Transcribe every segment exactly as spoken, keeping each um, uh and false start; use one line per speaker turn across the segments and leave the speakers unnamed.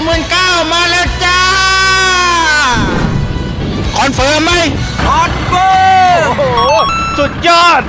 หมื่นเก้ามาแล้วจ้าคอนเฟิร์มไหมคอนเฟิร์มโอ้โหสุดยอด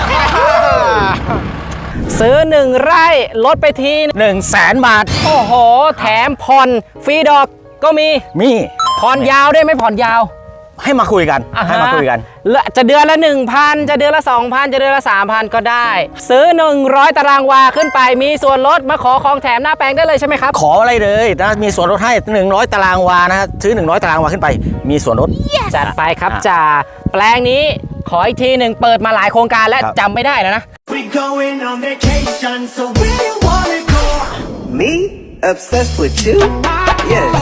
ซื้อหนึ่งไร่ลดไปทีหนึ่งแสนบาทโอ้โหแถมผ่อนฟรีดอกก็มี
มี
ผ่อนยาวได้ไหมผ่อนยาว
ให้มาคุยกันให้มาคุยกัน
จะเดือนละ หนึ่งพัน จะเดือนละ สองพัน จะเดือนละ สามพัน ก็ได้ซื้อหนึ่งร้อยตารางวาขึ้นไปมีส่วนลดมาขอของแถมหน้าแปลงได้เลยใช่ไหมครับ
ขออะไรเลยนะมีส่วนลดให้หนึ่งร้อยตารางวานะซื้อหนึ่งร้อยตารางวาขึ้นไปมีส่วนลด
yes. จัดไปครับจ่าแปลงนี้ขออีกทีหนึ่งเปิดมาหลายโครงการและจำไม่ได้แล้วนะ
We going on vacation so where you wanna go
Me obsessed with you yes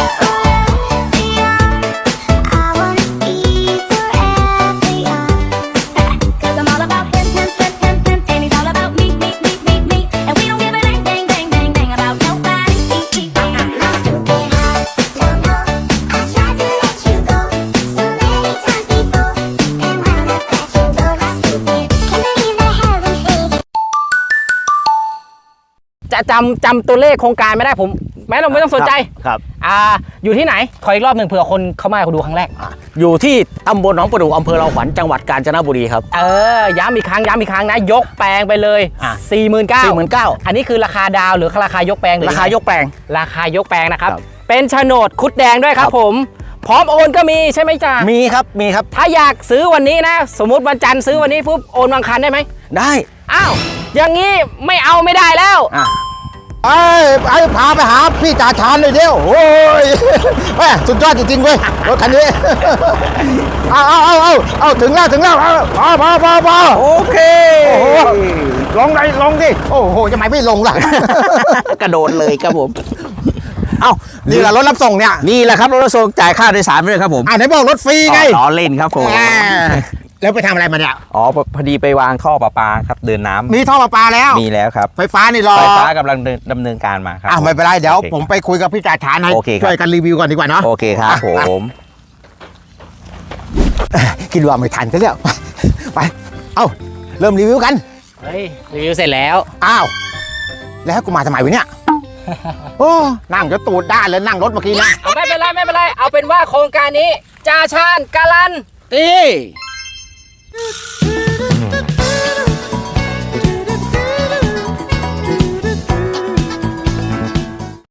จะจำจำตัวเลขโครงการไม่ได้ผมแม้เราไม่ต้องสนใจ
ครับ
อ่าอยู่ที่ไหนขออีกรอบหนึ่งเผื่อคนเข้ามาดูครั้งแรก
อยู่ที่ตำบลหนองประดู่อำเภอเราขวัญจังหวัดกาญจนบุรีครับ
เออย้ำอีกครั้งย้ำอีกครั้งนะยกแปลงไปเลย สี่หมื่นเก้าพัน
สี่หมื่นเก้าพัน
อันนี้คือราคาดาวหรือราคายกแปลง
ราคายกแปลง
ราคายกแปลงนะครับเป็นโฉนดคุดแดงด้วยครับผมพร้อมโอนก็มีใช่ไหมจ๊ะ
มีครับมีครับ
ถ้าอยากซื้อวันนี้นะสมมุติวันจันทร์ซื้อวันนี้ปุ๊บโอนวันอังคารได้ไหม
ได้
อ้าวอย่างนี้ไม่เอาไม่ได้แล้ว
ไอ้ไอ้พาไปหาพี่จ่าชานเลยเดียวโอ้ยแม่สุดยอดจริงๆเว้ยรถคันนี้เอาเอาเอาเอาเอาถึงแล้วถึงแล้วพอพอพอพอโอเคโอ้โหลงไหนลงดิโอ้โหจะไม่ไม่ลงล่ะกระโดดเลยครับผมเอ้านี่แหละรถรับส่งเนี่ย
นี่แหละครับรถรับส่งจ่ายค่าโดยสารด้วยครับผม
อ่าไหนบอกรถฟรีไง
อ๋อเล่นครับผม
แล้วไปทำอะไรมาเนี่ย
อ๋อพอดีไปวางท่อประปาครับเดินน้ำ
มีท่อประปาแล้ว
มีแล้วครับ
ไฟฟ้านี่รอ
ไฟฟ้ากำลังดำเนินการมาครับ
อ่าไม่เป็นไรเดี๋ยวผมไปคุยกับพี่จ่าชานให้ช่วยกันรีวิวก่อนดีกว่าเนาะ
โอเคครับผม
คิดว่าไม่ทันซะแล้วไปเอ้าเริ่มรีวิวกัน
เฮ้ยรีวิวเสร็จแล้ว
อ้าวแล้วกูมาทำไมวะเนี่ยโอ้นั่งจะตูดด้านเลยนั่งรถเมื่อกี้นะ
ไม่เป็นไรไม่เป็นไรเอาเป็นว่าโครงการนี้จ่าชาญการันตี